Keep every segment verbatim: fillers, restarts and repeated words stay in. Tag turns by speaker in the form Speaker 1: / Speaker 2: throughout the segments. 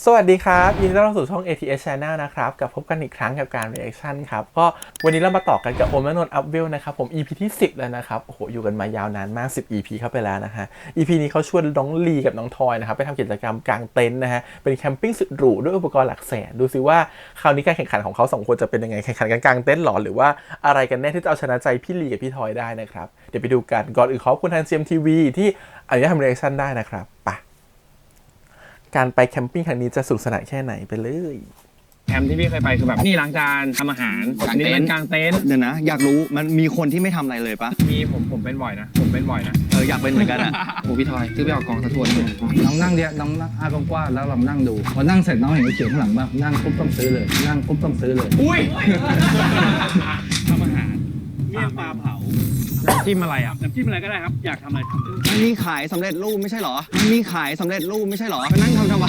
Speaker 1: สวัสดีครับยินดีต้อนรับสู่ช่อง เอ ที เอส Channel นะครับกับพบกันอีกครั้งกับการ reaction ครับก็วันนี้เรามาต่อกันกับโอมและนนท์ อัพเวลนะครับผม อี พี ที่สิบแล้วนะครับโอ้โหอยู่กันมายาวนานมากสิบ อี พี เข้าไปแล้วนะฮะ อี พี นี้เขาชวนน้องลีกับน้องทอยนะครับไปทำกิจกรรมกางเต็นท์นะฮะเป็นแคมปิ้งสุดหรูด้วยอุปกรณ์หลักแสนดูซิว่าคราวนี้การแข่งขันของเขาสองคนจะเป็นยังไงแข่งขันกันกางเต็นท์หรอหรือว่าอะไรกันแน่ที่จะเอาชนะใจพี่ลีกับพี่ทอยได้นะครับเดี๋ยวไปดูกันก่อนอื่นขอบคุณทาง ซี เอ็ม ที วี ที่อนุญาตทำ reaction ได้นะครับไปการไปแคมปิ้งครั้งนี้จะสนุกสนานแค่ไหนไปเลย
Speaker 2: แคมป์ที่พี่เคยไปคือแบบนี่ล้างจานทำอาหารอันนี้เป็นกางเต็นท์
Speaker 3: เดี๋ยวนะอยากรู้มันมีคนที่ไม่ทำอะไรเลยปะ
Speaker 2: มีผมผมเป็นบ่อยนะผมเป็นบ่อยนะ
Speaker 3: เอออยากเป็นเหมือนกันอ่ะ
Speaker 4: โอ้พี่ทอยซื้อไปออกกองสะทวนน้องนั่งเดียวน้องนั่งอากว้างๆแล้วลองนั่งดูพอนั่งเสร็จน้องเห็นเขียวข้างหลังบ้างนั่งปุ๊บต้องซื้อเลยนั่งปุ๊บต้องซื้อเลย
Speaker 2: อุ้ย
Speaker 5: ทำอาหารเมี่ยงปลาเผา
Speaker 2: น้ำจิ้มอะไรอ่ะ
Speaker 5: น้ำจิ้มอะไรก็ได้ครับอยากทำอะไรทำ
Speaker 3: มันมีขายสำเร็จรูปไม่ใช่หรอมันมีขายสำเร็จรูปไม่ใช่หรอไปนั่งทำทำไม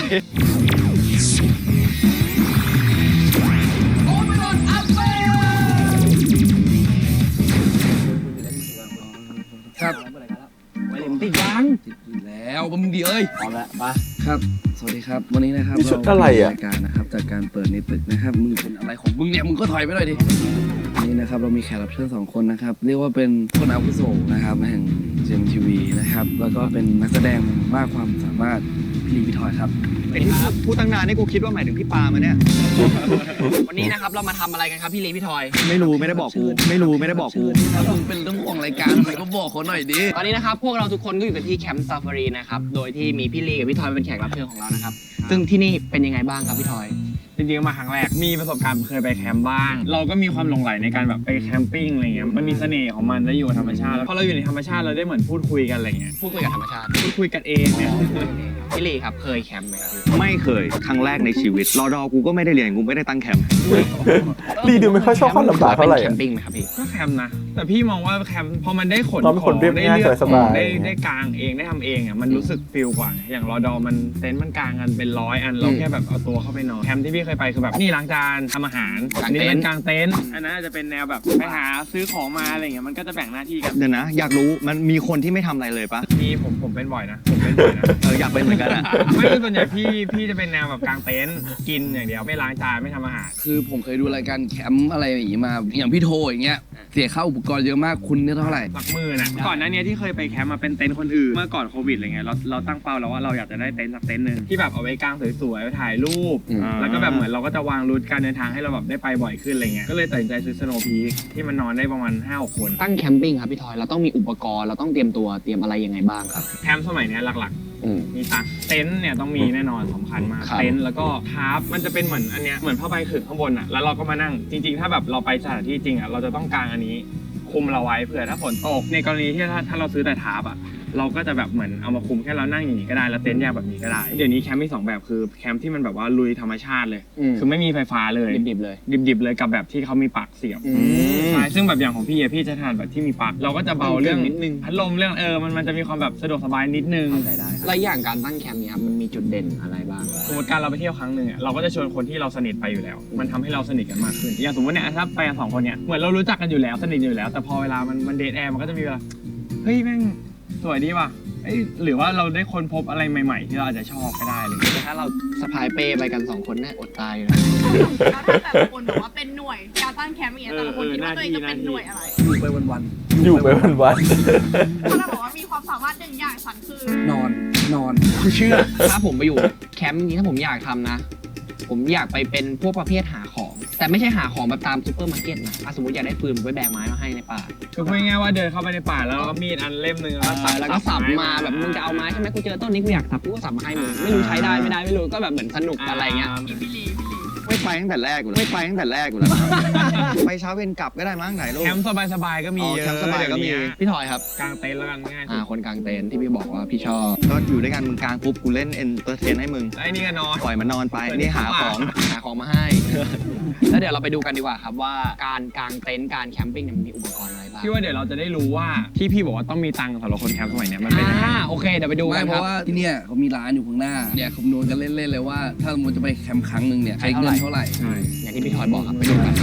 Speaker 4: ครับ
Speaker 2: ติดยัง
Speaker 4: ติดอยู่แล้วมึงดีเอ้ย
Speaker 3: พร้อมแล้วมา
Speaker 4: ครับสวัสดีครับวันนี้นะครับ
Speaker 1: นี่ชุดอะไรอ่ะ
Speaker 4: รายการนะครับจากการเปิดในตึกนะครับมึงเป็นอะไรของมึงเนี่ยมึงก็ถอยไปหน่อยดิวันนี้นะครับเรามีแขกรับเชิญสองคนนะครับเรียกว่าเป็นคนอาวุโสนะครับแห่ง ซี เอ็ม ที วี นะครับแล้วก็เป็นนักแสดงมากความสามารถพี่ลีพี่ทอยครับ
Speaker 3: ไอ้ที่พูดตั้งนานนี่กูคิดว่าหมายถึงพี่ปามาเนี่ย
Speaker 6: วันนี้นะครับเรามาทำอะไรกันครับพี่ลีพี่ทอย
Speaker 3: ไม่รู้ไม่ได้บอกกูไม่รู้ไม่ได้บอกกู
Speaker 4: ถ้ามึงเป็นเรื่องของรายการทำไมก็บอกเขาหน่อยดิ
Speaker 6: ตอนนี้นะครับพวกเราทุกคนก็อยู่กันที่แคมป์ซาฟารีนะครับโดยที่มีพี่ลีกับพี่ทอยเป็นแขกรับเชิญของเรานะครับซึ่งที่นี่เป็นยังไงบ้างครับพี่ทอย
Speaker 2: จริงๆมาครั้งแรกมีประสบการณ์เคยไปแคมป์บ้างเราก็มีความหลงใหลในการแบบไปแคมปิ้งอะไรเงี้ยมันมีเสน่ห์ของมันได้อยู่กับธรรมชาติแล้วพอเราอยู่ในธรรมชาติเราได้เหมือนพูดคุยกันอะไรเงี้ย
Speaker 6: พูดคุยกับธรรมชาติ
Speaker 2: พูดคุยกันเองเนี่ย
Speaker 6: พี่ลีครับเคยแคมป์ไหมครับ
Speaker 3: ไม่เคยครั้งแรกในชีวิตรอดอกูก็ไม่ได้เรียนกูไม่ได้ตั้งแคมป์
Speaker 1: ลีดูไม่ค่อยชอบความลำบากเท่าไหร่
Speaker 6: แคมปิ้งไหมครับพี่
Speaker 2: ก็แคมป์นะแต่พี่มองว่าแคมป์พอมันได้ขน
Speaker 1: ของได้เลือก
Speaker 2: ได้ได้กางเองได้ทำเองอ่ะมันรู้สึกฟิลกว่าอย่างรอดอมันเต็นท์มันกางกันเป็นร้อยอันเราแค่แบบเอาตัวเข้าไปนอนแคมป์ที่พี่เคยไปคือแบบนี่ล้างจานทำอาหารอันนี้เป็นกางเต็นท์อันนั้นจะเป็นแนวแบบไปหาซื้อของมาอะไรเงี้ยมันก็จะแบ่งหน้าที่กัน
Speaker 3: เดี๋ยวนะอยากรู้มันมีคนที่ไม่ทำอะไรเลยปะ
Speaker 2: มีผมผมเป็นบ่อยนะผมเป็นบ่อยนะ
Speaker 3: เอออยากเป็นเหมือนกันอ่ะ
Speaker 2: ไม่ส่วนใหญ่พี่พี่จะเป็นแนวแบบกางเต็นท์กินอย่างเดียวไม่ล้างจานไม่ทำอาหาร
Speaker 4: คือผมเคยดูรายการแคมป์อะไรอย่างงี้มาอย่างพี่โทอย่างเงี้ยเสียค่าอุปกรณ์เยอะมากคุณเนี่ยเท่าไหร่
Speaker 2: หลักหมื่นนะก่อนหน้านี้ที่เคยไปแคมป์มาเป็นเต็นท์คนอื่นเมื่อก่อนโควิดอะไรเงี้ยเราเราตั้งเป้าแล้วว่าเราอยากจะได้เต็นท์สักเต็นท์นึงที่แบบเอาไว้กางสวยๆไปถ่ายรูปแล้วก็แบบเหมือนเราก็จะวางรูทการเดินทางให้เราแบบได้ไปบ่อยขึ้นอะไรเงี้ยก็เลยตัดสินใจซื้อสโนว์พีคที่มันนอนได้ประมาณห้าหกคน
Speaker 6: ตั้งแคมปิ้งครับพี่ทอยเราต้องมีอุปกรณ์เราต้องเตรียมตัวเตรียมอะไรยังไงบ้างครับ
Speaker 2: แคมป์สมัยนี้หลักๆมีตักเต็นท์เนี่ยต้องมีแน่นอนสำคัญมากเต็นท์แล้วก็ทาร์ปมันจะเป็นเหมือนอันเนี้ยเหมือนผ้าใบขึงข้างบนอ่ะแล้วเราก็มานั่งจริงๆถ้าแบบเราไปสถานที่จริงอ่ะเราจะต้องกางอันนี้คุมเราไว้เผื่อถ้าฝนตกในกรณีที่ถ้าถ้าเราซื้อแต่ทาร์ปอ่ะเราก็จะแบบเหมือนเอามาคุมแค่เรานั่งอย่างนี้ก็ได้แล้วเต็นท์แยกแบบนี้ก็ได้เดี๋ยวนี้แคมป์มีสองแบบคือแคมป์ที่มันแบบว่าลุยธรรมชาติเลยคือไม่มีไฟฟ้าเลย
Speaker 6: ดิบๆเลย
Speaker 2: ดิบๆเลยกับแบบที่เขามีปลั๊กเสียบใช่ซึ่งแบบอย่างของพี่อะพี่จะทานแบบที่มีปลั๊กเราก็จะเบาเรื่องนิดนึงพัดลมเรื่องเออมันมันจะมีความแบบสะดวกสบายนิดนึง
Speaker 6: ได้แล้วอย่างการตั้งแคมป์เนี่ยครับมันมีจุดเด่นอะไรบ้าง
Speaker 2: สมมติการเราไปเที่ยวครั้งหนึ่งอะเราก็จะชวนคนที่เราสนิทไปอยู่แล้วมันทำให้เราสนิทกันมากขึ้นอย่างสมมติเนี่ยถ้าไปกันสองคนเนี่ยเหมือนเรารู้จักกันอยู่แล้วสนิทอยู่แล้วแต่พอเวลามันมันเดทแอร์มันก็จะมีเวลาเฮ้ยแม่งสวยดีว่ะหรือว่าเราได้ค้นพบอะไรใหม่ๆที่เราอาจจะชอบก็ได้เลย
Speaker 6: แต่ถ้าเราสะพายเป้ไปกันสองคนเนี่ยอดตายเลย
Speaker 7: แล้วถ้าแต่ละคนบอกว่าเป็นหน่วยการตั้งแคมป์อย่างเงี้ยแต่ละคนคิดว่าตัวเองจะเป็นหน่วยอะไร
Speaker 4: อยู่ไปวัน
Speaker 1: ๆอยู่ไปวัน
Speaker 7: ๆถ้าเราบอกว่ามีความสามารถหนึ่งอย่างฉันคือน
Speaker 4: อนนอน
Speaker 6: คือเชื่อถ้าผมไปอยู่แคมป์นี้ถ้าผมอยากทำนะผมอยากไปเป็นพวกประเภทหาของแต่ไม่ใช่หาของแบบตามซูเปอร์มาร์เก็ตนะสมมติอยากได้ปืนไปแบกไม้มาให้ในป่า
Speaker 2: คือพูดง่ายๆว่าเดินเข้าไปในป่าแล้วก็มีดอันเล่มนึงแล้ว
Speaker 6: แล้วก็สับมาแบบมึงจะเอาไม้ใช่ไหมกูเจอต้นนี้กูอยากสับกูก็สับมาให้มึงไม่รู้ใช้ได้ไม่ได้ไม่รู้ก็แบบเหมือนสนุกอะไรเงี้ย
Speaker 3: ไม่ไปตั้งแต่แรกกูแล้วไม่ไปตั้งแต่แรกกูแล้วไปเช้าเย็นกลับก็ได้มั้งไหนลูก
Speaker 2: แคมป์สบายๆก็มี
Speaker 3: แคมป์สบายก็มี
Speaker 6: พี่ทอยครับ
Speaker 2: กางเต็นท์แล้วกันง่าย
Speaker 6: อ่าคนกางเต็นท์ที่พี่บอกว่าพี่ชอบ
Speaker 3: ก็อยู่ด้วยกันมึงกางปุ๊บกูเล่นเอนเตอร์เทนให้มึง
Speaker 2: ไอ้นี่ก็นอน
Speaker 3: ปล่อยมันนอนไปนี่หาของ
Speaker 6: หาของมาให้แล้วเดี๋ยวเราไปดูกันดีกว่าครับว่าการกางเต็นท์การแคมปิ้งเนี่ยมันมีอุปกรณ์อะไรบ้าง
Speaker 2: พี่ว่าเดี๋ยวเราจะได้รู้ว่าที่พี่บอกว่าต้องมีตังค์สำหรับคนแคมป์สมัยนี้มันเป็นยังไง
Speaker 6: โอเคเดี๋ยวไปดูกัน
Speaker 4: เพราะว่าที่เนี่ยเขามีร้านอยู่ข้างหน้าเนี่ยคำนวณกันเล่นๆเลยว่าถ้าสมมติจะไปแคมป์ครั้งหนึ่งเนี่ยใช้เงินเท่าไหร่
Speaker 6: อย่างที่พี่ทอยบอกครับไปดูกัน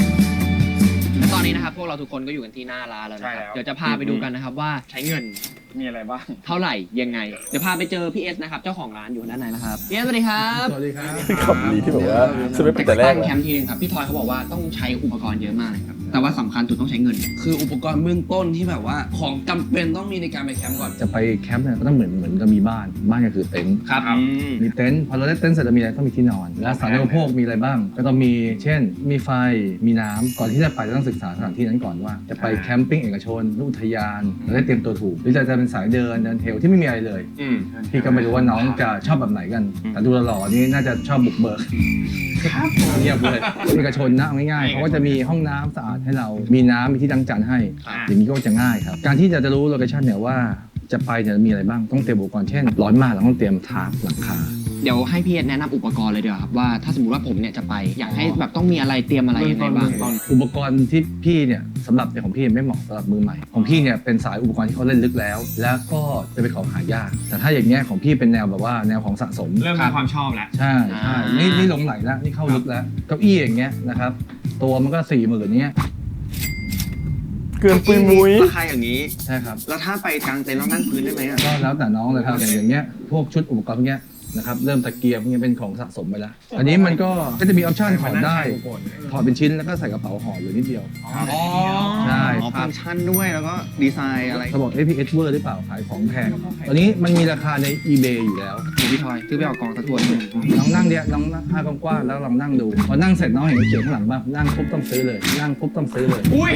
Speaker 6: ตอนนี้นะครับพวกเราทุกคนก็อยู่กันที่หน้าร้านแล้วนะครับเดี๋ยวจะพาไปดูกันนะครับว่าใช้เงิน
Speaker 2: มีอะไรบ้าง
Speaker 6: เท่าไหร่ยังไง เดี๋ยวพาไปเจอพี่เอสนะครับเจ้าของร้านอยู่ด้านในนะครับพี่เอสสวัสดีครับ
Speaker 4: สวัสดีครับ
Speaker 1: คำนี้ที่แบบว่าจะไม่เป็นแต่แรก
Speaker 6: ตั้งแคมป์ทีนึงครับพี่ทอยเขาบอกว่าต้องใช้อุปกรณ์เยอะมากเลยครับแต่ว่าสำคัญสุดต้องใช้เงิน
Speaker 4: คืออุปกรณ์เบื้องต้นที่แบบว่าของจำเป็นต้องมีในการไปแคมป์ก่อน
Speaker 5: จะไปแคมป์เนี่ยก็ต้องเหมือนเหมือนกับมีบ้านบ้านก็คือเต็นท์
Speaker 6: ครับ
Speaker 5: มีเต็นท์พอเราได้เต็นท์เสร็จแล้วมีอะไรต้องมีที่นอน และสาธารณูปโภคมีอะไรบ้าง ก็ต้องมีเช่น มีไฟมีน้ำก่อนที่จะไปจะต้องศึกษาสถานที่นั้นก่อนว่า จะไปแคมปิ้งเอกชนหรืออุทยานเราได้เตรียมตัวถูกหรือจะจะเป็นสายเดินเดินเทรลที่ไม่มีอะไรเลย
Speaker 2: อืม
Speaker 5: พี่ก็ไม่รู้ว่าน้องจะชอบแบบไหนกัน แต่ดูหล่อๆนี่น่าจะชอบบุกเบิกเงียบเลยเอกชนนะเอาง่ายๆเขาก็จะมีห้องน้ำสะอาดให้เรามีน้ำมีที่ล้างจานให้ อย่างนี้ก็จะง่ายครับการที่จะจะรู้โลเคชั่นเนี่ยว่าจะไปเนี่ยมีอะไรบ้างต้องเตรียมอุปกรณ์เช่นร้อนมากเราต้องเตรียมทาร์ปหลังคา
Speaker 6: เดี๋ยวให้พี่เอสแนะนำอุปกรณ์เลยดีกว่าครับว่าถ้าสมมติว่าผมเนี่ยจะไปอยากให้แบบต้องมีอะไรเตรียมอะไรยังไงบ้าง
Speaker 5: อุปกรณ์ที่พี่เนี่ยสำหรับในของพี่ไม่เหมาะสำหรับมือใหม่ของพี่เนี่ยเป็นสายอุปกรณ์ที่เขาเล่นลึกแล้ว แล้วก็จะเป็นของหายากแต่ถ้าอย่างเงี้ยของพี่เป็นแนวแบบว่าแนวของสะสม
Speaker 2: เริ่มมีความชอบแล้ว
Speaker 5: ใช่ใช่นี่นี่หลงไหลแล้วนี่เข้าลึกแล้วเก้าอี้อย่างเงี้ยนะครับตัวมันก็สี่หมื่นเนี้ย
Speaker 1: เกินปุยมุ้ย
Speaker 3: ราคาอย่างนี้
Speaker 5: ใช่ครับ
Speaker 3: แล้วถ้าไปกลางเต็นท์แล้วนั่งพื้นได้ไหมอ่ะ
Speaker 5: ก็แล้วแต่น้องเลยครับอย่างอย่างเงี้ยพวกชุดอุปกรณ์พวกเนี้ยนะครับเริ่มตะเกียบพวกเนี้ยเป็นของสะสมไปแล้วอันนี้มันก็ก็จะมีออปชั่นถอดได้ถอดเป็นชิ้นแล้วก็ใส่กระเป๋าห่ออยู่นิดเดียว
Speaker 2: อ๋อ
Speaker 5: ใช่
Speaker 3: อ๋อฟังก์ชันด้วยแล้วก็ดีไซน์อะไร
Speaker 5: เขาบอก เอ พี เอส เวอร์หรือเปล่าขายของแพงตอนนี้มันมีราคาใน eBay อยู่แล้ว
Speaker 6: พี่ทอยซื้อไปเอากองตะทวน
Speaker 5: ลองนั่งเนี้ยลองนั่งผ้ากว้างๆแล้วลองนั่งดูพอนั่งเสร็จน้องเห็นเขียนข้างหลังบ้างนั่งปุ๊บต้องซื้อเลยนั่งปุ๊บต้องซื้อเลย
Speaker 2: อุ้ย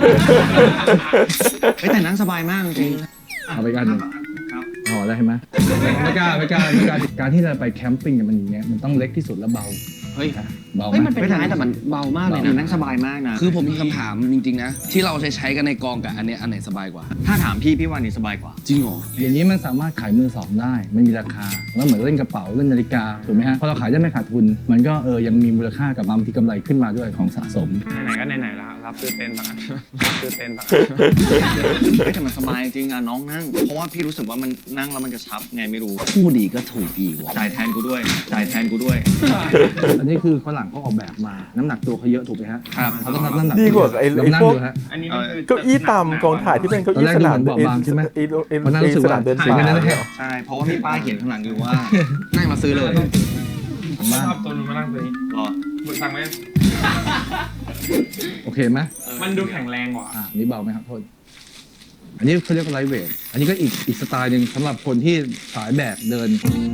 Speaker 3: เฮ้ยแต่นั่งสบายมากจริง
Speaker 5: เอาไปกันหนึ่งห่อได้ไหมไม่กล้าไม่กล้าไม่กล้าการที่เราไปแคมปิ้งเนี่ยมันอย่างเงี้ยมันต้องเล็กที่สุดแล้วเบา
Speaker 6: เฮ้ย
Speaker 5: เบา
Speaker 6: เฮ้ย
Speaker 5: ไหม
Speaker 6: มันเป็นไม้แต่มันเบามากเลย
Speaker 3: ๆคือ
Speaker 6: นะ
Speaker 3: นั่งสบายมากนะ
Speaker 4: คือผมมีคำถามจริงๆนะที่เราใช้ใช้กันในกองกับอันเนี้ยอันไหนสบายกว่า
Speaker 3: ถ้าถามพี่พี่ว่านี่สบายกว่า
Speaker 4: จริงเหรอ
Speaker 5: อย่างนี้มันสามารถขายมือสองได้ไม่มีราคาแล้วเหมือนเล่นกระเป๋าเล่นนาฬิกาถูกไหมฮะพอเราขายได้ไม่ขาดทุน มันก็เออยังมีมูลค่ากับบางทีกำไรขึ้นมาด้วยของสะสม
Speaker 2: ไหนๆก็ไหนๆแล้วรับซื้อเต็นท์สักอันรับซื้อเต็นท์สักอัน
Speaker 3: เฮ้ยแต่มันสบายจริงอ่ะน้องนั่ง เพราะว่าพี่รู้สึกว่ามันนั่งแล้วมันกระชับไงไม่รู้
Speaker 4: คู่ดีก็ถูกอีกว่ะ
Speaker 3: จ่ายแทนกูด้วยจ่ายแทนกูด้วย
Speaker 5: อันนี้คือฝรั่งเขาออกแบบมาน้ำหนักตัวเขาเยอะถูกไหมฮะ
Speaker 3: ครับ
Speaker 5: เขาต้องรับน้ำหนัก
Speaker 1: ดีกว่าไอ้
Speaker 5: ลอง
Speaker 1: ไอ้
Speaker 5: นั่ง
Speaker 1: พวก
Speaker 5: ดูฮะ
Speaker 2: อันนี้มันคือ
Speaker 1: เก้าอี้ตามกองถ่ายที่เป็นเก้าอี้สนาม
Speaker 5: ตอนแรกดูเหมือนเบาบางใช่ไหม
Speaker 1: ไอ้ไอ้
Speaker 5: วันนั้นรู้สึกว่า
Speaker 1: สนามเดิน
Speaker 5: เสีย
Speaker 1: ป่า
Speaker 5: เงินนะเนี่ย
Speaker 3: ใช่ เพราะว่ามีป้ายเขียนข้างหลังอยู่ว่า
Speaker 6: นั่งมาซื้อเลย
Speaker 5: ผมว่า
Speaker 2: ชอบตัวนู้นมานั่งตัวนี้
Speaker 3: รอ
Speaker 2: มึงสั่งไหม
Speaker 5: โอเคไหม
Speaker 2: มันดูแข็งแรงกว่า
Speaker 5: อ่านี่เบาไหมครับโทษอันนี้เขาเรียกว่าไลท์เวทอันนี้ก็อีกอีกสไตล์หนึ่งสำหรับคนที่สายแบกเดิน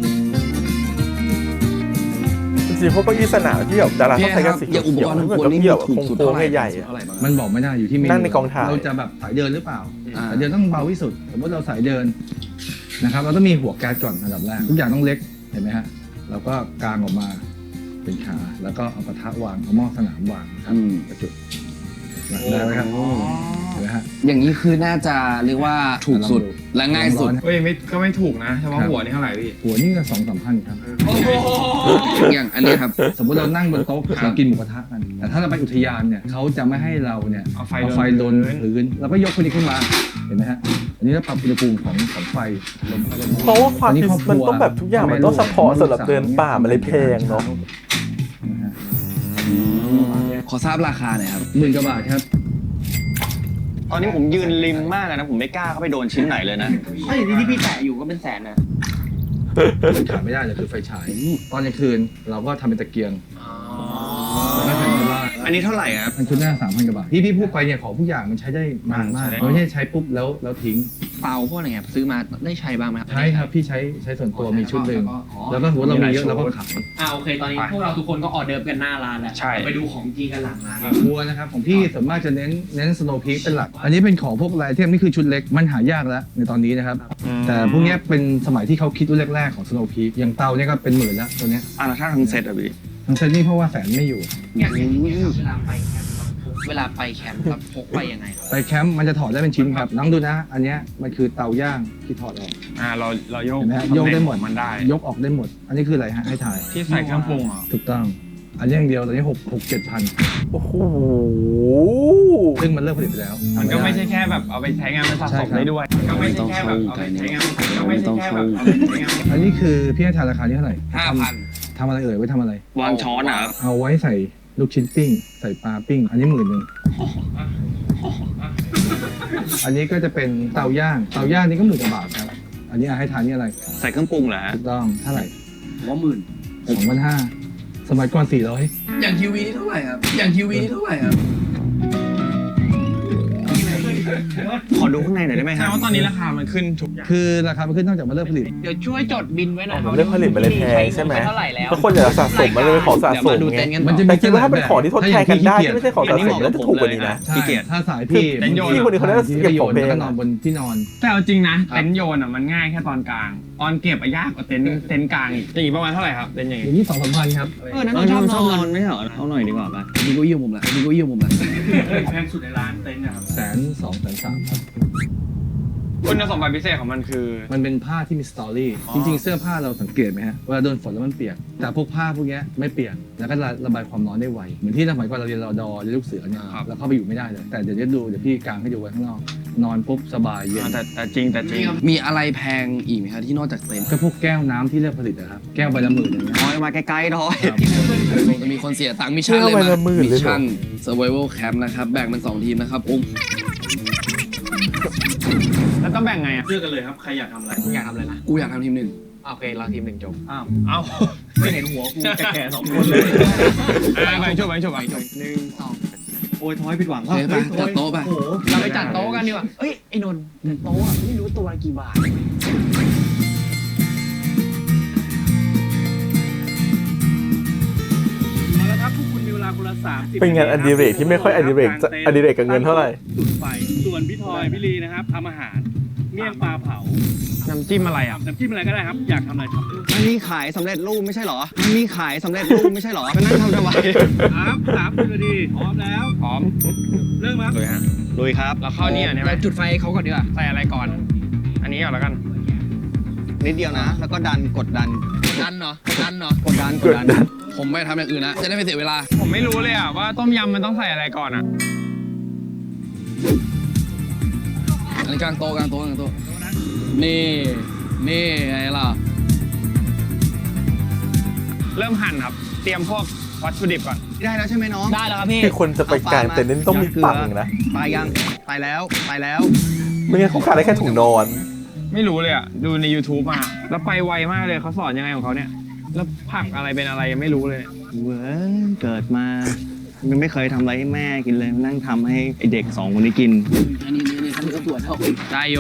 Speaker 1: จริงๆพวกเก้าอี้สนามที่แบบดาราเขาใช้กันสี
Speaker 4: อย่างอุป
Speaker 1: เขียว
Speaker 4: กรณ์
Speaker 1: ๆ
Speaker 4: ของ
Speaker 1: เหมือน
Speaker 4: คน
Speaker 1: เก้า
Speaker 4: นี่
Speaker 1: อี้แบบ
Speaker 4: ถูกสุด
Speaker 1: โค้
Speaker 4: เท่าง ไหร่
Speaker 1: ๆใหญ่ๆอะ
Speaker 4: เท่าไหร่บ้าง
Speaker 5: มันบอกไม่ได้อยู่ที่เมนู
Speaker 1: นั่งในกองถ่าย
Speaker 5: เราจะแบบสายเดินหรือเปล่า
Speaker 4: อ่า
Speaker 5: สายเดินต้องเบาที่สุด สมมติเราสายเดินนะครับ เราต้องมีหัวแก๊สก่อนอันดับแรก ทุกอย่างต้องเล็ก เห็นไหมฮะ เราก็กางออกมาเป็นขา แล้วก็เอากระทะวาง เอาหม้อสนามวางครับ
Speaker 4: อืม
Speaker 5: ประจุได้ไหมครับเห็นไหมฮะ
Speaker 4: อย่างนี้คือน่าจะเรียกว่าถูกสุด
Speaker 5: ลองดู
Speaker 4: และง่ายสุด
Speaker 2: เฮ้ยไม่ก็ไม่ถูกนะเฉพาะหัวนี่เท่าไหร่พี่
Speaker 5: หัวนี่ก็สองสามพันครับ
Speaker 4: อย่างอันเนี้ยครับ
Speaker 5: สมมติเรานั่งบนโต๊ะเรากินหมูกระทะกัน แต่ถ้าเราไปอุทยานเนี่ยเขาจะไม่ให้เราเนี่ย
Speaker 2: เอาไฟ
Speaker 5: เอาไฟ
Speaker 2: โด
Speaker 5: โด
Speaker 2: น
Speaker 5: นพื้นเราก็ยกคนนี้ขึ้นมา เห็นไหมฮะ อันนี้เราปรับอุณหภูมิของของไฟลมเข้าลมออก
Speaker 1: เพราะว่าความ
Speaker 5: อันนี้
Speaker 1: ที่
Speaker 5: ครอบครัว
Speaker 1: มันต้องแบบทุกอย่างมันต้องเฉพาะสำหรับเดินป่ามันเลยแพงเนาะ
Speaker 5: นะฮะ
Speaker 4: ขอทราบราคาหน่อยครับ
Speaker 5: หมื่นกว่าบาทครับ
Speaker 3: ตอนนี้ผมยืนริมมากเลยนะ ผมไม่กล้าเข้าไปโดนชิ้นไหนเลยนะ
Speaker 6: เฮ้ยที่พี่แตะอยู่ก็เป็นแสนนะ
Speaker 5: มันขาดไม่ได้เลยคือไฟฉาย ตอนกลางคืนเราก็ทำเป็นตะเกียงแล้วก็แผ่นกระบา
Speaker 3: อันนี้เท่าไหร่ครับ
Speaker 5: มันชุดหน้าสามพันกว่าบาทที่พี่พูดไปเนี่ยของทุกอย่างมันใช้ได้นานมาก
Speaker 2: ใช่
Speaker 5: มันไม่ใช่ใช้ปุ๊บแล้วแล้วทิ้ง
Speaker 6: เปาพวกอะไรเงี้ยซื้อมาได้ใช้บ้างไหมครับ
Speaker 5: ใช้ครับพี่ใช้ใช้ส่วนตัวมีชุดหนึ่งแล้วก็สมมติเรามีเยอะเราก็ขาย
Speaker 6: อ่าโอเค ตอนนี้พวกเราทุกคนก็ออเดิร์ฟกันหน้าร้านแล้ว
Speaker 2: ใช่
Speaker 6: ไปดูของจริงกันหลังร้าน
Speaker 5: ครัวนะครับของพี่ส่วนมากจะเน้นเน้นสโนว์พีคเป็นหลัก อันนี้เป็นของพวกไลเทมนี่คือชุดเล็กมันหายากแล้วในตอนนี้นะครับแต่พวกเนี้ยเป็นสมัยที่เขาคิดรุ่นแรกๆของสโนว์พีคอย่างเตาเนี่ยก็เป็นหมื่นแล้วตัวเนี้ย
Speaker 3: อ่ะแล้วถ้าทั้งเซตอะพี่
Speaker 5: ทั้งเซตนี่เพราะว่าแสนไม่อยู่
Speaker 6: อย่างนี้เวลาไปแคมป์เวลาไปแคมป์ครับพกไปยังไงครับ
Speaker 5: ไปแคมป์มันจะถอดได้เป็นชิ้นครับน้องดูนะ อันเนี้ยมันคือเตาย่างที่ถอดออก
Speaker 2: อ่าเราเราโยก
Speaker 5: เห็นไหมฮะโยกได้หมด
Speaker 2: มันได้
Speaker 5: ยกออกได้หมด อันนี้คืออะไรฮะให้ถ่าย
Speaker 2: ที่ใส่เครื่องปรุงเหรอ
Speaker 5: ถูกต้อง อันนี้อย่างเดียวตอนนี้หกหกเจ็ดพัน
Speaker 1: โอ้โห
Speaker 5: ซึ่งมันเลิกผลิตไปแล้ว
Speaker 2: มันก็ไม่ใช่แค่แบบเอาไปใช้งานมันสะสมได้ด้วยก็ไม่ใช่แค่แบบเอาไปใช้งานก็ไม่ใช่แค่แบบเอาไปใช้งาน
Speaker 5: อันนี้คือพี่ให้ทายราคานี้เท่าไหร่
Speaker 4: ห้าพัน
Speaker 5: ทำอะไรเอ่ยไว้ทำอะไร
Speaker 3: วางช้อนอะครับ
Speaker 5: เอาไว้ใส่ลูกชิ้นปิ้ง ใส่ปลาปิ้ง อันนี้หมื่นหนึ่งอันนี้ก็จะเป็นเตาย่างเตาย่างนี่ก็หมื่นกว่าบาทครับอันนี้ให้ทานนี่อะไร
Speaker 3: ใส่เครื่องปรุงเหรอ
Speaker 5: ถูกต้องเท่าไหร่
Speaker 4: ผมว่าหมื่น
Speaker 5: สองพันห้าสมัยก่อนสี่ร้อย
Speaker 4: อย่างทีวีนี่เท่าไหร่ครับ อย่างทีวีนี่เท่าไหร่ครับ
Speaker 3: ขอดูข้างในหน่อยได้ไหม
Speaker 2: ใช่
Speaker 3: ฮะ
Speaker 2: ว่าตอนนี้ราคามันขึ้นทุกอย่าง
Speaker 5: คือราคามันขึ้นนอกจากมาเริ่มผลิต
Speaker 6: เดี๋ยวช่วยจดบินไว้หน่อย
Speaker 1: มันเรื่องผลิตมันเลยแพงใช่ไหม
Speaker 6: เท่าไหร่แล้ว
Speaker 1: ถ้าคนอยากสะสมมันเลยเป็นของสะ
Speaker 6: เดี๋ยว
Speaker 1: ส
Speaker 6: มาม ดู
Speaker 1: ไง
Speaker 6: เต็นท์กัน
Speaker 5: มัน
Speaker 6: ต่
Speaker 5: จะ
Speaker 6: อ
Speaker 1: แต่คิดว่าถ้าเป็นของที่ทดแทนกันได้ที่ไม่ใช่ของสะสมแล้วจะถูกกว่านี้นะ
Speaker 5: ใช่
Speaker 3: ขี้เกียจ
Speaker 5: ถ้าสายพี่
Speaker 2: เต็นท์โยน
Speaker 1: พี่คนนี้เขาได้เก็บของเพลง
Speaker 5: แล้วก็นอนบนที่นอน
Speaker 2: แต่เอาจริงนะเต็นท์โยนอ่ะมันง่ายแค่ตอนกลาง ตอนเก็บอะยากกว่าเต็นท์เต็นท์กลางอีกอย่างนี้ประมาณเท่าไหร่ครับเต็นท์อย่าง
Speaker 5: อ
Speaker 2: นี้
Speaker 5: ย่างนี้สองสามพันครับ
Speaker 6: เออนั่น
Speaker 3: เอ
Speaker 6: เรา
Speaker 3: อ
Speaker 6: ชอบ
Speaker 3: ชอบ
Speaker 6: น
Speaker 3: น
Speaker 6: อ
Speaker 3: อน นไม่เหรอเอาหน่อยดีกว่าป่ะ
Speaker 4: มีเก้าอี้ของผมแหละมีเก้าอี้ของผมแหละ
Speaker 2: แพงสุดในร้านเต็นท์นะครับ
Speaker 5: แสนสองแสนสามครับ
Speaker 2: คุณสมบัติพิเศษของมันคือ
Speaker 5: มันเป็นผ้าที่มีสตอรี่ จริงๆ เสื้อผ้าเราสังเกตไหมฮะเวลาโดนฝนแล้วมันเปียก แต่พวกผ้าพวกเนี้ยไม่เปียก แล้วก็ระบายความร้อนได้ไว เหมือนที่สมัยก่อนเราเรียนรอดอเรียนลูกเสือเนี่ย
Speaker 2: ครับ
Speaker 5: เราเข้าไปอยู่ไม่ได้เลย แต่เดี๋ยวจะดูเดี๋ยวพี่กางให้ดูไว้ข้างนอก นอนปุ๊บสบายเย็น
Speaker 2: แต่แต่จริงแต่จริง
Speaker 4: มีอะไรแพงอีกไหมครับที่นอกจากเต็นท์
Speaker 5: ก็พวกแก้วน้ำที่เลือกผลิตนะครับ แก้วใบละหมื่นอย่างเงี้ย
Speaker 3: ทอยมาไกลๆทอย
Speaker 4: คงจะมีคนเสียตังค์มิชชั่นเลย
Speaker 1: เที่ยวไป
Speaker 4: มา
Speaker 1: ละหมื่น
Speaker 4: มิ
Speaker 1: เลยเหรอ
Speaker 4: ชั่น survival camp นะครับแบ่งเป็นสองทีมนะครับอุ้ม
Speaker 2: แล้วต้องแบ่งไงอ่ะ
Speaker 6: กูอยากทำอะไรนะ
Speaker 4: กูอยากทำทีมหนึ่ง
Speaker 6: โอเคเราทีมหนึ่งจบ
Speaker 2: อ้าวเอ้า
Speaker 6: ไม่เห็นหัวกูแก่ๆสองคนเลย
Speaker 2: แบ่งจบแบ่งจบแบ่งจบ
Speaker 6: หนึ่งสอง
Speaker 3: โอ้ยทอยผิดหวัง
Speaker 4: โอเคไปจัดโต๊ะไป
Speaker 6: โอ้โหเราไปจัดโต๊ะกันดีกว่าเอ้ยไอ้นนท์แต่โต๊ะอะไม่รู้ตัวละกี่บาท
Speaker 8: แล้วครับพวกคุณมีเวลาคนละสามสิบ
Speaker 1: เป็นงานอดิเรกที่ไม่ค่อยอดิเรกจะอดิเรกกับเงินเท่าไหร่
Speaker 8: จุดไฟส่วนพี่ทอยพี่ลีนะครับทำอาหาร เมี่ยงปลาเผา
Speaker 2: น้ำจิ้มอะไรอ่ะ
Speaker 8: น้ำจิ้มอะไรก็ได้ครับ อยากทำอะไรทำ
Speaker 3: มันมีขายสำเร็จรูปไม่ใช่เหรอ มันมีขายสำเร็จรูปไม่ใช่เหรอไปนั่งทำทำไม
Speaker 8: ครับสามสิบนาทีพร้อมแล้ว
Speaker 2: พร้อม
Speaker 8: เริ่มครับ
Speaker 2: เลยฮะ
Speaker 3: ลุยครับ
Speaker 2: เราเข้านี่อ่ะใช่ไหม
Speaker 6: เราจุดไฟให้เขาก่อนดีกว่า
Speaker 2: ใส่อะไรก่อน อันนี้ก่อนแล้วกัน
Speaker 3: นิดเดียวนะ แล้วก็ดันกดดัน
Speaker 4: ดันเนาะดันเนาะ
Speaker 3: กดดันกดดัน
Speaker 4: ผมไม่ทำอย่างอื่นนะจะได้ไม่เสียเวลา
Speaker 2: ผมไม่รู้เลยอ่ะว่าต้มยำมันต้องใส่อะไรก่อนอ่ะ
Speaker 4: อันนี้กลางโต๊ะกลางโต๊ะกลางโต๊ะนี่นี่ไงล่ะ
Speaker 2: เริ่มหั่นครับ เตรียมพวกวัตถุดิบก่อน
Speaker 3: ได้แล้วใช่ไหมน้อง
Speaker 6: ได้แล้วครับพี่
Speaker 1: ที่คนจะไปกลางเต็นท์นี่ต้องมีปังนะ
Speaker 3: ไปยังไปแล้วไปแล้ว
Speaker 1: ไม่งั้นเขาขายได้แค่ถุงนอน
Speaker 2: ไม่รู้เลยอ่ะ ดูใน YouTube มา แล้วไปไวมากเลยเขาสอนยังไงของเขาเนี่ย แล้วผักอะไรเป็นอะไรยังไม่รู้เลย
Speaker 3: เว้ยเกิดมายังไม่เคยทำอะไรให้แม่กินเลยนั่งทำให้ไอเด็กสองคนนี้กิน
Speaker 4: อันนี้นี่นี่ท่านก็ตรวจเท่า
Speaker 2: ได้โย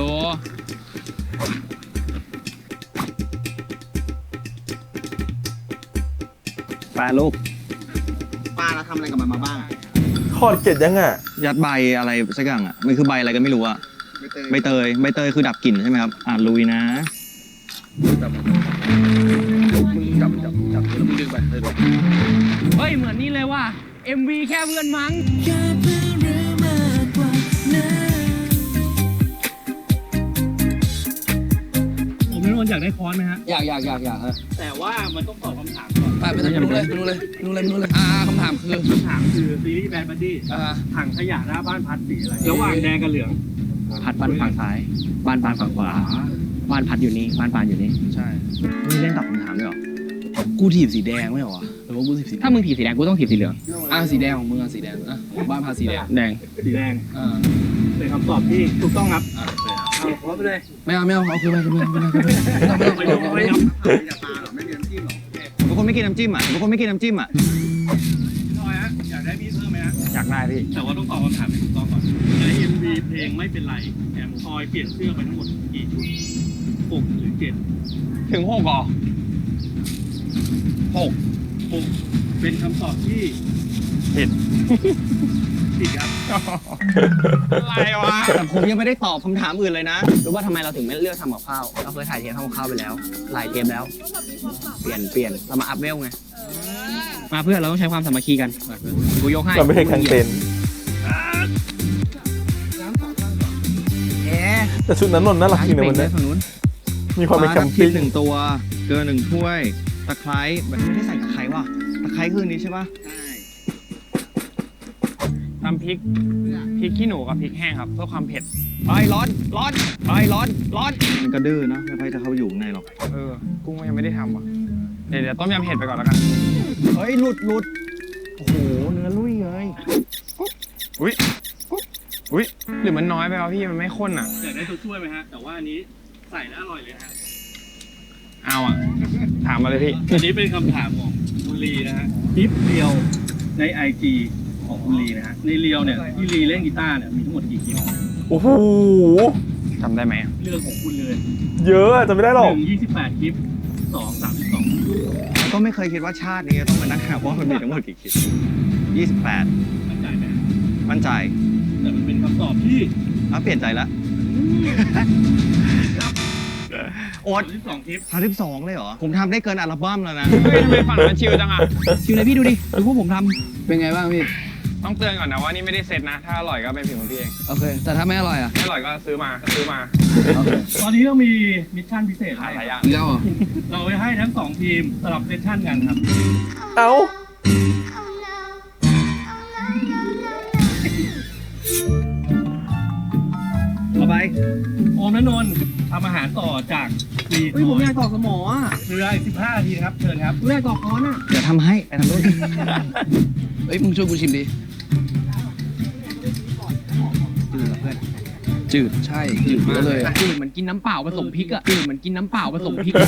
Speaker 3: ปลาลูกปลาเราทำอะไรกับมันมาบ้าง
Speaker 1: ทอดเก็ดยังอ่ะ
Speaker 3: ยัดใบอะไรสักอย่างอ่ะมันคือใบอะไรกันไม่รู้อ่ะใบเตยใบเตยคือดับกลิ่นใช่ไหมครับอ่าลุยนะ
Speaker 4: มึงจับจับจับแล้วมึงดึงไปเลยด้วย
Speaker 6: เฮ้ยเหมือนนี่เลยว่ะ เอ็ม วี แค่เพื่อนมั้ง
Speaker 8: ผมนนท์อยากได้ค้อนไหมฮะ
Speaker 4: อยากอยากอยากอยากฮะ
Speaker 8: แต่ว่ามันต้องตอบคำถามก่อน
Speaker 4: ไปไปไปดูเลยไปดูเลยไปดูเลยไปดูเลยอ่าคำถามคือ
Speaker 8: คำถามคือซีรีส์แบดบัดดี้
Speaker 4: อ่า
Speaker 8: ถังขยะหน้าบ้านพัดสีอะไร ระหว่างแดงกับเหลือง
Speaker 6: พัดบ้านฝั่งซ้าย บ้านปานฝั่งขวา บ้านพัดอยู่นี่ บ้านปานอยู่นี่
Speaker 4: ใช่
Speaker 3: นี่เล่นตอบคำถามด้วยเหรอ
Speaker 4: กูถีบสีแดงไม่เหรอวะหรือว่ากูถีบสี
Speaker 6: ถ้ามึงถีบสีแดงกูต้องถีบสีเหลือง
Speaker 4: อ่าสีแดงของมึงอ่ะสีแดงอ่ะบ้านพาสีแดง
Speaker 2: แดง
Speaker 8: สีแดง
Speaker 4: อ่า
Speaker 8: เป็นคำตอบที่ถูกต้องครับ
Speaker 4: อ่า
Speaker 8: เอาครบไปเลย
Speaker 4: ไม่เอาไม่เอาเอาคือไปคือไปคือไปคือไปไม่ต้องไม่ต้องไม่ต้องไม่ต้อง
Speaker 3: บางคนไม่กินน้ำจิ้มอ่ะบางคนไม่กินน้ำจิ้มอ่ะ
Speaker 8: ทอยฮะ อยากได้มีดเพิ่มไหมฮะ
Speaker 2: อยากได้พี่
Speaker 8: แต่ว่าต้องตอบคำถามให้ถูกต้องก่อนใน เอ็ม วี เพลงไม่เป็นไรแอมทอยเปลี่ยนเสื้อไปทั้งหมดกี่ชุดหกหรือเจ็ด
Speaker 2: ถึงหกเหรอ
Speaker 8: หกหกเป็นคำตอบที่
Speaker 2: ผิด
Speaker 8: ผิดครับ
Speaker 2: อะไรวะ
Speaker 3: แต่ผมยังไม่ได้ตอบคำถามอื่นเลยนะ
Speaker 6: รู้ว่าทำไมเราถึงไม่เลือกทำกับข้าว เราเคยถ่ายเทปทำกับข้าวไปแล้ว หลายเทปแล้ว เปลี่ยนเปลี่ยนเรามาอัพเวลไง มาเพื่อนเราต้องใช้ความสามัคคีกันมาเพื่อนกูยกให้
Speaker 1: เราไม่ใช่กลางเต็นท์
Speaker 3: เอ๊ะ
Speaker 1: แต่ชุดนั้นนนท์น่ารักจริงนะวันนี้
Speaker 3: ฝั่งนู้น
Speaker 1: มีความเป็นแคม
Speaker 3: พริ
Speaker 1: ปิ้
Speaker 3: ก
Speaker 1: ง
Speaker 3: หนึ่งตัว เกลือหนึ่งถ้วย ตะไคร้แบบไม่ได้ใส่ตะไคร้ว่ะ ตะไคร้คืออันนี้ใช่ปะ
Speaker 2: ทำพริก พริกขี้หนูกับพริกแห้งครับ เพื่อความเผ็ด
Speaker 3: ไอ้ยร้อน ร้อนไอ้ยร้อน ร้อน มันก็ดื้อเนอะไม่ค่อยจะเข้าไปอยู่ข้างในหรอก
Speaker 2: เออ กุ้งก็ยังไม่ได้ทำว่ะ เดี๋ยวเดี๋ยวต้มยำเผ็ดไปก่อนแล้วกัน
Speaker 3: เฮ้ย หลุดหลุดโอ้โห เนื้อลุยเลย
Speaker 2: อุ้ยอุ้ยหรือมันน้อยไปวะพี่มันไม่ข้นอ่ะ
Speaker 8: อยากได้ตัวช่วยไหมฮะ แต่ว่าอันนี้ใส่แล้วอร่อยเลยฮะ
Speaker 2: เอาอ่ะ ถามมาเลยพี่
Speaker 8: อันนี้เป็นคำถามของคุณลีนะฮะคลิปเรียวในไอจีของคุณลีนะฮะ ในเรียวเนี่ยที่ลีเล่นกีตาร์เนี่ยมีทั้งหมดกี่คลิป
Speaker 1: โอ้โห
Speaker 2: จำได้ไหมอะ
Speaker 8: เรื่องของคุณเลย
Speaker 1: เยอะอะจำไม่ได้หร
Speaker 8: ห
Speaker 1: อก
Speaker 8: นึ่งยี่สิบแปดคลิปสองสามสิบสอง
Speaker 3: แล้วก็ไม่เคยคิดว่าชาตินี้จะต้องมานั่งหาว่ามันมีทั้งหมดกี่คลิปยี่สิบแปด
Speaker 8: มั่นใจไหม
Speaker 3: มั่นใจ
Speaker 8: แต่มันเป็นคำตอบที่
Speaker 3: แล้วเปลี่ยนใจแล้วโอ๊ต
Speaker 8: สิบสองคลิป
Speaker 3: สามสิบสองเลยเหรอ ผมทำได้เกินอัลบั้มแล้วนะ
Speaker 2: เฮ้ยทำไมฝั่งนั้นชิลจังอ่ะ
Speaker 6: ชิวเลยพี่ดูดิดูพวกผมท
Speaker 4: เป็นไงบ้างพี่
Speaker 2: ต้องเตือนก่อนนะว่านี่ไม่ได้เซ็ตนะ ถ้าอร่อยก็เป็นฝีมือพี่เอง
Speaker 4: โอเค แต่ถ้าไม่อร่อยอ่ะ
Speaker 2: ไม่อร่อยก็ซื้อมาซื้อมา
Speaker 4: โอเค
Speaker 8: ตอนนี้เรามีมิชชั่นพิเศษ
Speaker 2: หา
Speaker 8: ให้
Speaker 2: หลายอย่าง
Speaker 4: อีกแล้วเหรอ
Speaker 8: เราไปให้ทั้งสองทีมสลับเซสชั่นกันครับ
Speaker 1: เอ้า
Speaker 8: ต่อไปโอมและนนท์ทำอาหารต่อจากวี
Speaker 6: ำเฮ้ยผมอยากตอกสมออ่ะ
Speaker 8: เรืออีกสิบห้านาทีนะครับ เชิญครับ
Speaker 6: ผมอยากตอกค้อนอ่ะ
Speaker 3: เดี๋ยวทำให้ ไปทำด้วย
Speaker 4: เฮ้ย มึงช่วยกูชิมดิ จืดใช่ จืดเยอะเลยอะ
Speaker 6: จืดเหมือนกินน้ำเปล่าผสมพริกอ่ะจืดเหมือนกินน้ำเปล่าผสมพริกอะ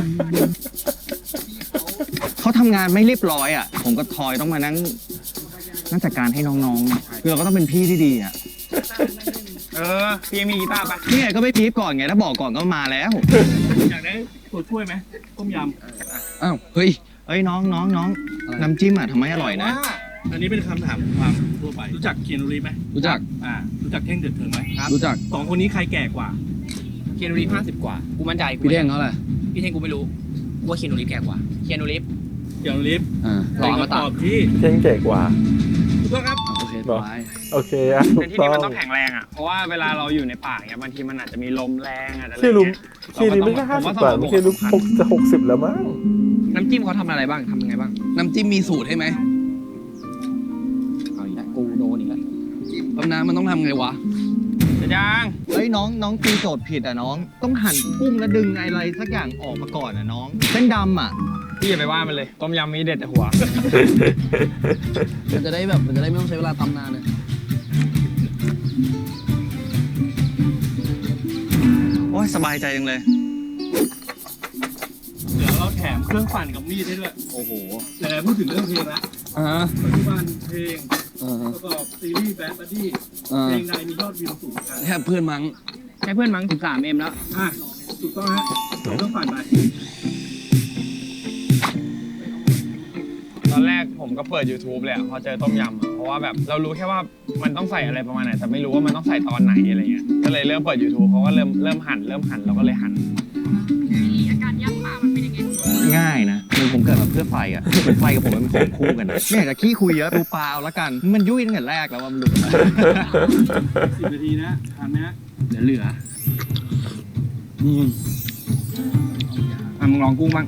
Speaker 3: เขาทำงานไม่เรียบร้อยอ่ะ ผมกับทอยต้องมานั่งนั่งจัดการให้น้องๆอะคือเราก็ต้องเป็นพี่ที่ดีอ่ะ
Speaker 2: เออ พี่มีกีตาร์ปะ
Speaker 3: นี่ไงก็ไม่พีบก่อนไง ถ้าบอกก่อนก็มาแล้ว
Speaker 8: อยากได้ตัวช่วยไหมต้มย
Speaker 4: อ้าว เฮ้ย
Speaker 3: เอ้ยน้องน้องน้อง
Speaker 4: อะไร
Speaker 3: น้ำจิ้มอ่ะทำไม
Speaker 8: ำ
Speaker 3: อร่อยนะ
Speaker 8: ว่าอันนี้เป็นคำถามความทั่วไป รู้จักเคียนูรีฟไหม
Speaker 4: รู้จัก
Speaker 8: อ่า รู้จักเท่งเดือดเถิงไหม
Speaker 4: รู้จัก
Speaker 8: สองคนนี้ใครแก่กว่า
Speaker 6: เคียนูรีฟห้าสิบกว่า กูมั่นใจกู
Speaker 4: พี่เด้งเขาแหละ
Speaker 6: พี่เท่งกูไม่รู้กูว่าเคียนูรีฟแก่กว่าเคียนูรีฟ
Speaker 8: เคียนูรีฟ
Speaker 4: อ่า
Speaker 6: หล่อมา
Speaker 8: เป็น
Speaker 6: ตั
Speaker 8: คำ
Speaker 6: ด
Speaker 8: ตอบที่
Speaker 1: เท่งเก๋กว่า
Speaker 8: ถูกต้องครับ
Speaker 4: โอเค
Speaker 1: บอก
Speaker 4: ไป
Speaker 1: โอเคอะถู
Speaker 2: แต่
Speaker 1: ก
Speaker 2: ที่
Speaker 1: ต้
Speaker 2: นี่
Speaker 1: อง
Speaker 2: มันต้องแข็งแรงอ่ะ เพราะว่าเวลาเราอยู่ในป่าเนี่ยบางทีมันอาจจะมีลมแรงอาจจะอะไร
Speaker 1: ที่ลุม
Speaker 2: เงี้ย
Speaker 1: ที่นี้ไม่ใช่ห้าสิบกว่าไม่ใช่ลุมหกจะหกสิบแล้วมั้ง
Speaker 6: น้ำจิ้มเขาทำอะไรบ้างทำยังไงบ้าง
Speaker 4: น้ำจิ้มมีสูตรให้ไหม
Speaker 6: เอาอีกแล้วกูโดนอีกแล้ว
Speaker 4: ตำน้ำมันต้องทำไงวะ
Speaker 2: จะยัง
Speaker 3: เฮ้ยน้องน้องตีโจทย์ผิดอ่ะน้อง ต้องหั่นกุ้งแล้วดึงอะไรสักอย่างออกมาก่อนอ่ะน้อง เส้นดำอ่ะ
Speaker 2: พี่อย่าไปว่ามันเลย ต้มยำมีเด็ดแต่หัว
Speaker 4: มันจะได้แบบ มันจะได้ไม่ต้องใช้เวลาตำนานเลย
Speaker 3: โอ้ยสบายใจจังเลย
Speaker 8: เดี๋ยวเราแถมเครื่องปั่นกับมีดให้ด้วย
Speaker 3: โอ้โห
Speaker 8: แต่พูดถึงเรื่องเพลงละ
Speaker 4: อ่า
Speaker 8: ปัจจุบันเพลง
Speaker 4: อ่า
Speaker 8: ประกอบซีรีส์แบดบัดดี้
Speaker 4: อ่า
Speaker 8: เพลงใดมียอดวิวสูงกัน
Speaker 4: แค่เพื่อนมั้ง
Speaker 6: ใช้เพื่อนมั้งสิบสามเอ็มแล้ว
Speaker 8: อ่ะถูกต้องฮะส่งเครื่องปั่นไป
Speaker 2: ตอนแรกผมก็เปิด YouTube เลยอะพอเจอต้มยำอะเพราะว่าแบบเรารู้แค่ว่ามันต้องใส่อะไรประมาณไหนแต่ไม่รู้ว่ามันต้องใส่ตอนไหนอะไรเงี้ย ก็เลยเริ่มเปิด YouTube เขาก็เริ่มเริ่มหั่นเริ่มหั่นเราก็เลยหั่น
Speaker 7: อาการย่างปลามันเป็นยังไง
Speaker 3: ง่ายนะคือผมเกิดมาเพื่อไฟอ่ะคือไฟกับผมมันเป็นของคู่กันนะไม่อยากจะขี้คุยเยอะดูปลาเอาละกัน มันยุ่ยตั้งแต่แรกแล้วว่ามันหลุดมา
Speaker 8: สิบนาทีนะทานไหมฮะ
Speaker 6: เดี๋ยวเหลือ
Speaker 4: อืม
Speaker 6: อ่ะมึงลองกุ้งบ้าง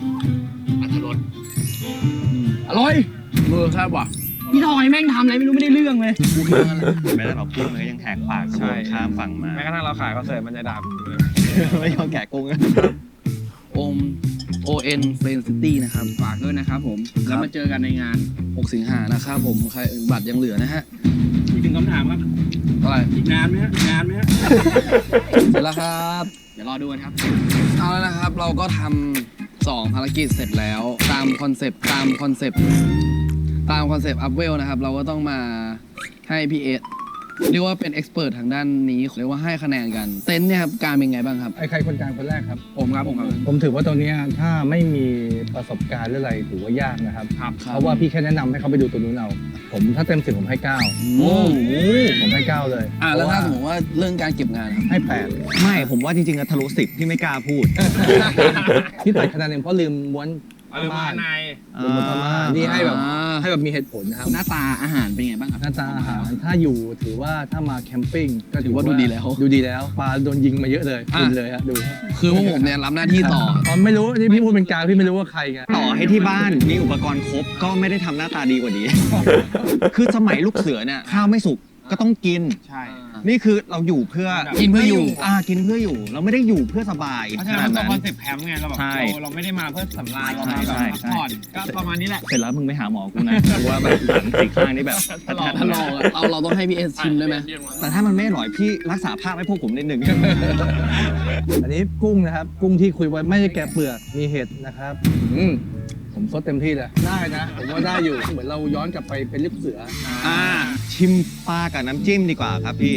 Speaker 4: อร่อยมือแซ่บว่ะ
Speaker 6: พี่ทอยแม่งทำอะไรไม่รู้ไม่ได้เรื่องเลย
Speaker 4: กูคิดว่างั้นแหละ
Speaker 3: แม้แต่เรากุ้งมันก็ยังแหกปาก
Speaker 2: ใช่
Speaker 3: ข้ามฝั่งมา
Speaker 2: แม้กระทั่งเราขายคอนเสิร์ตมันจะด่าผมเลย
Speaker 3: ไม่ยอมแกะกุ้ง
Speaker 4: โอม โอ เอ็น เฟรนซิตี้นะครับ
Speaker 6: ฝากด้วยนะครับผม แล้วมาเจอกันในงาน
Speaker 4: หกสิงหานะครับผม ใครบัตรยังเหลือนะฮะ
Speaker 8: อีกหนึ่งคำถามครับ
Speaker 4: อะไร
Speaker 8: อีกนานไหมฮะอีกนานไหมฮะ
Speaker 4: เสร็จแล้วครับ
Speaker 6: เดี๋ยวรอดูกันครับ
Speaker 4: เอาแล้วนะครับ เราก็ทำสองภารกิจเสร็จแล้ว ตามคอนเซปต์ตามคอนเซปต์ตามคอนเซปต์อัพเวลนะครับ เราก็ต้องมาให้พี่เอสเรียกว่าเป็นเอ็กซ์เพรสทางด้านนี้เรียกว่าให้คะแนนกัน เต็นท์เนี่ยครับ การเป็นไงบ้างครับ
Speaker 5: ไอ้ใครคนกลางคนแรกครับ
Speaker 6: ผมครับผมครับ
Speaker 5: ผมถือว่าตรงเนี้ยถ้าไม่มีประสบการณ์หรืออะไรถือว่ายากนะครับ
Speaker 2: ครับ
Speaker 5: เพราะว่าพี่แค่แนะนำให้เขาไปดูตัวนู้นเอา ผมถ้าเต็มสิบผมให้เก้า
Speaker 4: โอ้
Speaker 5: ผมให้เก้าเลย
Speaker 4: อ่ะแล้วถ้าสม
Speaker 5: เพ
Speaker 4: ม
Speaker 5: ระ
Speaker 4: ติว่าเรื่องการเก็บงานครับ
Speaker 5: ให้แปด
Speaker 3: ไม่ผมว่าจริงๆอะทะลุสิบที่ไม่กล้าพูด
Speaker 5: ที่ตัดคะแนนเองเพราะลืมม้วน
Speaker 2: เอาลืมมาใน
Speaker 5: ลืมม้วนผ้าม่านนี่ให้แบบ
Speaker 4: อ่า
Speaker 5: ให้แบบมีเหตุผลนะครับ
Speaker 6: หน้าตาอาหารเป็นไงบ้างครับ
Speaker 5: หน้าตาอาหารถ้าอยู่ถือว่าถ้ามาแคมปิ้งก็
Speaker 4: ถือว่าดูดีแล้ว
Speaker 5: ดูดีแล้วปลาโดนยิงมาเยอะเลย
Speaker 4: อ่ะ
Speaker 5: กินเลยฮะดู
Speaker 4: คือพวกผมเนี่ยรับหน้าที่ต่อ
Speaker 5: อ๋อไม่รู้นี่พี่พูดเป็นกลางพี่ไม่รู้ว่าใครไง
Speaker 3: ต่อให้ที่บ้านมีอุปกรณ์ครบก็ไม่ได้ทำหน้าตาดีกว่านี้ คือสมัยลูกเสือเนี่ยข้าวไม่สุกก็ต้องกิน
Speaker 2: ใช่
Speaker 4: อ่า
Speaker 3: นี่คือเราอยู่เพื่อ
Speaker 6: กินเพื่ออยู่
Speaker 3: อ่ากินเพื่ออยู่ เราไม่ได้อยู่เพื่อสบาย
Speaker 2: เพราะฉะนั้นตัวคอนเซ็ปต์แคมป์ไงเราแบบ
Speaker 3: ใช่
Speaker 2: เราเราไม่ได้มาเพื่อสำราญเรามา
Speaker 3: ใช่
Speaker 2: แบบ
Speaker 3: ใช่
Speaker 2: พักผ่อนก็ประมาณนี้แหละ
Speaker 3: เสร็จแล้วมึงไปหาหมอกูนะเพราะว่าแบบหลังสี่ข้างนี่แบบ
Speaker 2: ทะลอก
Speaker 6: ถ้าลองอะเราเราต้องให้พี่เอสชิมได้ไหม
Speaker 3: แต่ถ้ามันไม่อร่อยพี่รักษาภาพให้พวกผมนิดนึง
Speaker 5: อันนี้กุ้งนะครับ กุ้งที่คุยไว้ไม่ได้แกะเปลือกมีเห็ดนะครับอืมผมซดเต็มที่เลยได้นะผมว่าได้อยู่เหมือนเราย้อนกลับไปเป็นลูกเสือ
Speaker 3: อ่าชิมปลากับน้ำจิ้มดีกว่าครับพี่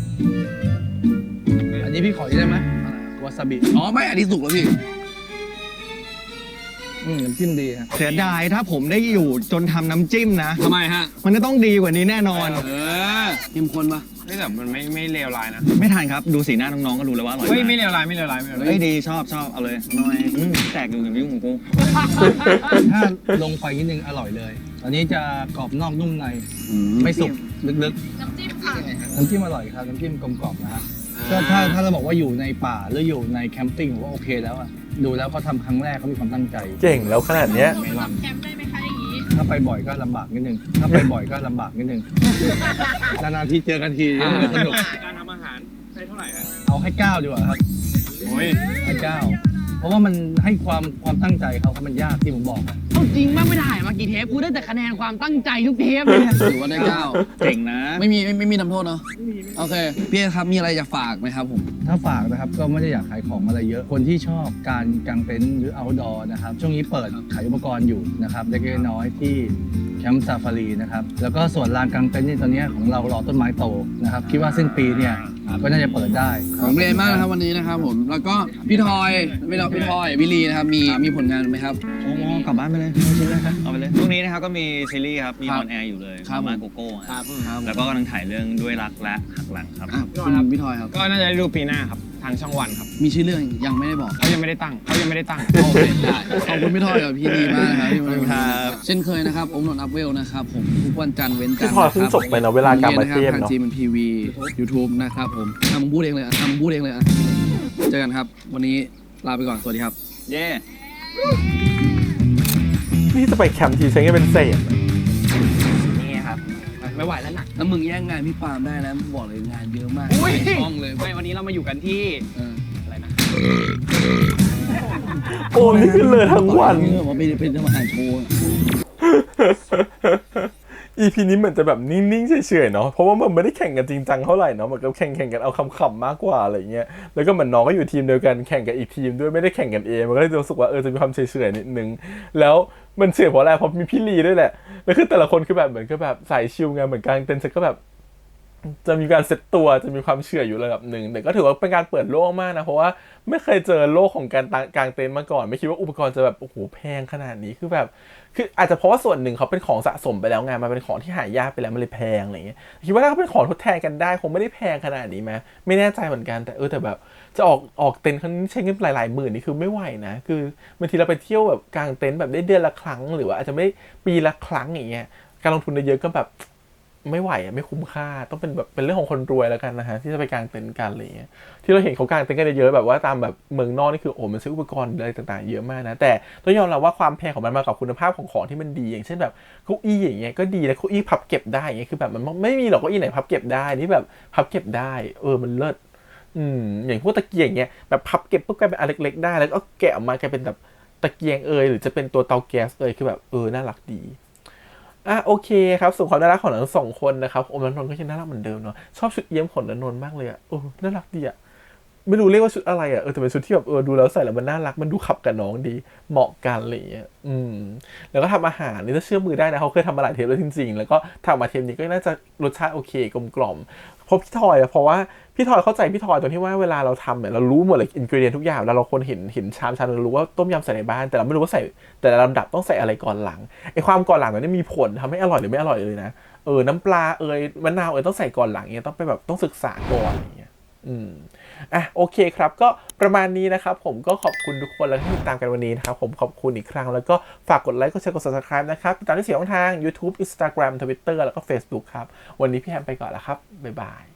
Speaker 5: อันนี้พี่ขออีกได้ไหมวาซาบิ
Speaker 4: อ๋อไม่อันนี้สุกแล้วพี่
Speaker 5: อืมน้ำจิ้มดีครับ
Speaker 3: เสียดายถ้าผมได้อยู่จนทำน้ำจิ้มนะ
Speaker 6: ทำไมฮะ
Speaker 3: มันจะต้องดีกว่านี้แน่นอน
Speaker 6: เออ
Speaker 4: เข้มข้นปะ
Speaker 2: ไม่แต่มันไม่ไม่เลวร้ายนะ
Speaker 3: ไม่ทันครับดูสีหน้าน้องๆก็รู้แล้วว่าอร่อย
Speaker 2: เฮ้ย
Speaker 3: มาก
Speaker 2: ไม่เลวร้ายไม่เลวร้ายไม่เลวร้าย
Speaker 3: เฮ้ยดีชอบชอบเอาเลยหน่อยอืมแตกอยู่กับยุ่งของกู
Speaker 5: ถ้าลงไปนิดนึงอร่อยเลย อันนี้จะกรอบนอกนุ่มใน ไม่สุกลึก
Speaker 7: น้ำจิ้มค่ะ
Speaker 5: ๆ น้ำจิ้มอร่อยครับ น้ำจิ้มกลมกล่อมนะฮะก็ถ้าถ้าเราบอกว่าอยู่ในป่าหรืออยู่ในแคมปิ้งผมว่าโอเคแล้วอะดูแล้วเขาทำครั้งแรกเขามีความตั้งใจ
Speaker 1: เก่งแล้วขนาดเนี้ย
Speaker 7: สำหรับแคมป์ได้ไหมคะอย่างนี้
Speaker 5: ถ้าไปบ่อยก็ลำบากนิดนึง ถ้าไปบ่อยก็ลำบากนิดนึง นานๆทีเจอกันทีมันก็สนุก
Speaker 2: การทำอาหารใช้เท่าไหร่ฮะ
Speaker 5: เอาให้เก้าดีกว่าครับ
Speaker 2: โอ้ย
Speaker 5: ให้เก้าเพราะว่ามันให้ความความตั้งใจเขาครับมันยากที่ผมบอกอะ
Speaker 6: เอาจริงมากไม่ถ่ายมากี่เทปกูได้แต่คะแนนความตั้งใจทุกเทปเลยเนี่ย
Speaker 4: ถือว่าได้เก้า
Speaker 3: เก่งนะ
Speaker 4: ไม่มีไม่ไม่มีทำโทษเนาะโอเคพี่เอสครับมีอะไรจะฝากไหมครับผม
Speaker 5: ถ้าฝากนะครับก็ไม่ได้อยากขายของอะไรเยอะ คนที่ชอบการกางเต็นท์หรือ outdoor นะครับช่วงนี้เปิดขายอุปกรณ์อยู่นะครับเล็กๆน้อยๆที่แคมป์ซาฟารีนะครับแล้วก็ส่วนลานกางเต็นท์นี่ตอนนี้ของเรารอต้นไม้โตนะครับคิดว่าสิ้นปีเนี่ยก็น่าจะเปิดได้
Speaker 4: ผมเรียนมากนะครับวันนี้นะครับผมแล้วก็พี่ทอยไม่เราพี่ทอยวิลีนะครับมีมีผลงานไหมครับ
Speaker 3: โอ้โหกลับบ้านไปเลยเอาชิ้นแรกครับเอาไปเลยช่วงนี้นะครับก็มีซีรีส์ครับ มี
Speaker 4: ครั
Speaker 3: อบ อนแอร์อยู่เลย
Speaker 4: ครับ
Speaker 3: มาโกโก้
Speaker 4: ค
Speaker 3: ค
Speaker 4: รั
Speaker 3: รั
Speaker 4: บบ ครับ
Speaker 3: แล้วก็กำลังถ่ายเรื่องด้วยรักและหักหลังครับ
Speaker 4: อ่ะคุณพี่ทอยครับ
Speaker 2: ก็น่าจะได้ดูปีหน้าครับทางช่องวันครับ
Speaker 4: มีชื่อเรื่องยังไม่ได้บอก
Speaker 2: เขายังไม่ได้ตั้งเขายังไม่ได้ตั้ง
Speaker 4: โอเคได้ขอบคุณพี่ทอยกับพี่ดีมากนะครับที่มา
Speaker 3: ครับ
Speaker 4: เช่นเคยนะครับอมนนท์อัพเวลนะครับผมทุกวันจันทร์เว้นจันท
Speaker 1: พี่
Speaker 4: ร์
Speaker 1: พลอยเพิ่งจบไปเนอะเวลากลับมาเทียบ
Speaker 4: ทาง
Speaker 1: เนอะ
Speaker 4: จีมันทีวียูทูบนะครับผมทำมึงพูดเองเลยอ่ะทำมึงพูดเองเลยอ่ะเจอกันครับ วันนี้ลาไปก่อนสวัสดีครับ
Speaker 3: เย่
Speaker 1: นี่จะไปแคมป์ทีใช้เงินเป็นเศษ
Speaker 6: นี่ครับ ไม่ไหวแล้วหนัก
Speaker 4: แล้วมึงแย่งงานพี่ปาล์มได้นะบอกเลยงานเยอะมาก
Speaker 6: อุ้ย
Speaker 4: ช่องเลย
Speaker 6: ไม่วันนี้เรามาอยู่กันที่
Speaker 4: เออ
Speaker 6: อะไรนะ
Speaker 1: โอ้นี่ขึ้นเลยทั้งวัน
Speaker 4: นี่แบบว่าไปเป็นทำอาหารโชว์
Speaker 1: อีพีนี้เหมือนจะแบบนิ่งๆเฉยๆเนาะเพราะว่ามันไม่ได้แข่งกันจริงจังเท่าไหร่เนาะเหมือนกับแข่งแข่งกันเอาคำๆมากกว่าอะไรเงี้ยแล้วก็เหมือนน้องก็อยู่ทีมเดียวกันแข่งกับอีกทีมด้วยไม่ได้แข่งกันเองมันก็เลยรู้สึกว่าเออจะมีความเฉยๆนิดนึงแล้วมันเฉยเพราะอะไรเพราะมีพี่ลีด้วยแหละแล้วคือแต่ละคนคือแบบเหมือนก็แบบสายชิลไงเหมือนกลางเต็นท์เสร็จก็แบบจะมีการเซตตัวจะมีความเฉยอยู่ระดับหนึ่งแต่ก็ถือว่าเป็นการเปิดโลกมากนะเพราะว่าไม่เคยเจอโลกของการกางเต็นท์มาก่อนไม่คิดว่าอุปกรณ์จะแบบโอ้โหแพงขนาดนี้คือแบบคืออาจจะเพราะว่าส่วนหนึ่งเขาเป็นของสะสมไปแล้วไงมันเป็นของที่หายากไปแล้วมันเลยแพงอะไรเงี้ยคิดว่าถ้าเขาเป็นของทดแทนกันได้คงไม่ได้แพงขนาดนี้ไหมไม่แน่ใจเหมือนกันแต่เออแต่แบบจะออกออกเต็นท์ครั้งนี้ใช้เงินหลายๆหมื่นนี่คือไม่ไหวนะคือบางทีเราไปเที่ยวแบบกางเต็นท์แบบได้เดือนละครั้งหรือว่าอาจจะไม่ปีละครั้งอย่างเงี้ยการลงทุนเยอะๆก็แบบไม่ไหวอะไม่คุ้มค่าต้องเป็นแบบเป็นเรื่องของคนรวยแล้วกันนะฮะที่จะไปกางเต็นท์กันอะไรเงี้ยที่เราเห็นเขากางเต็นท์กันเยอะๆแบบว่าตามแบบเมืองนอกนี่คือโอ้มันซื้ออุปกรณ์อะไรต่างๆเยอะมากนะแต่ต้องยอมรับว่าความแพงของมันมากับคุณภาพของของที่มันดีอย่างเช่นแบบเก้าอี้อย่างเงี้ยก็ดีแล้วเก้าอี้พับเก็บได้อย่างเงี้ยคือแบบมันไม่มีหรอกเก้าอี้ไหนพับเก็บได้ที่แบบพับเก็บได้เออมันเลิศอืมอย่างพวกตะเกียงเงี้ยแบบพับเก็บปุ๊บกลายเป็นอันเล็กๆได้แล้วก็แกะออกมากลายเป็นแบบตะเกียงเอยหรือจะเป็นตัวเตาแก๊สเอยคือแบบเออน่ารักดีอ่ะโอเคครับส่วนความน่ารักของทั้งสองคนนะครับโอมและนนท์ก็ยังน่ารักเหมือนเดิมเนาะชอบชุดเอี้ยมของนนท์มากเลยอ่ะเออน่ารักดีอ่ะไม่รู้เรียกว่าชุดอะไรอ่ะเออแต่เป็นชุดที่แบบเออดูแล้วใส่แล้วมันน่ารักมันดูขับกับน้องดีเหมาะกันอะไรอย่างเงี้ยอืมแล้วก็ทำอาหารนี่ถ้าเชื่อมือได้นะเขาเคยทำมาหลายเทปแล้วจริงๆแล้วก็ทำมาเทปนี้ก็น่าจะรสชาติโอเคกลมกล่อมเพราะพี่ทอยอะเพราะว่าพี่ทอยเข้าใจพี่ทอยตรงที่ว่าเวลาเราทำเนี่ยเรารู้หมดเลยอินกรีเดียนทุกอย่างแล้วเราคนเห็นเห็นชามชามเรารู้ว่าต้มยำใส่ในบ้านแต่เราไม่รู้ว่าใส่แต่ละลำดับต้องใส่อะไรก่อนหลังไอ้ความก่อนหลังนั้นมีผลทำให้อร่อยหรือไม่อร่อยเลยนะเออน้ำปลาเอยมะนาวเอยต้องใส่ก่อนหลังเงี้ยต้องไปแบบต้องศึกษาก่อนอย่างเงี้ยอืมอ่ะโอเคครับก็ประมาณนี้นะครับผมก็ขอบคุณทุกคนแล้วที่ติดตามกันวันนี้นะครับผมขอบคุณอีกครั้งแล้วก็ฝากกดไลค์กดแชร์กด Subscribe นะครับติดตามที่เสียงทาง YouTube Instagram Twitter แล้วก็ Facebook ครับวันนี้พี่แฮมไปก่อนแล้วครับบ๊ายบาย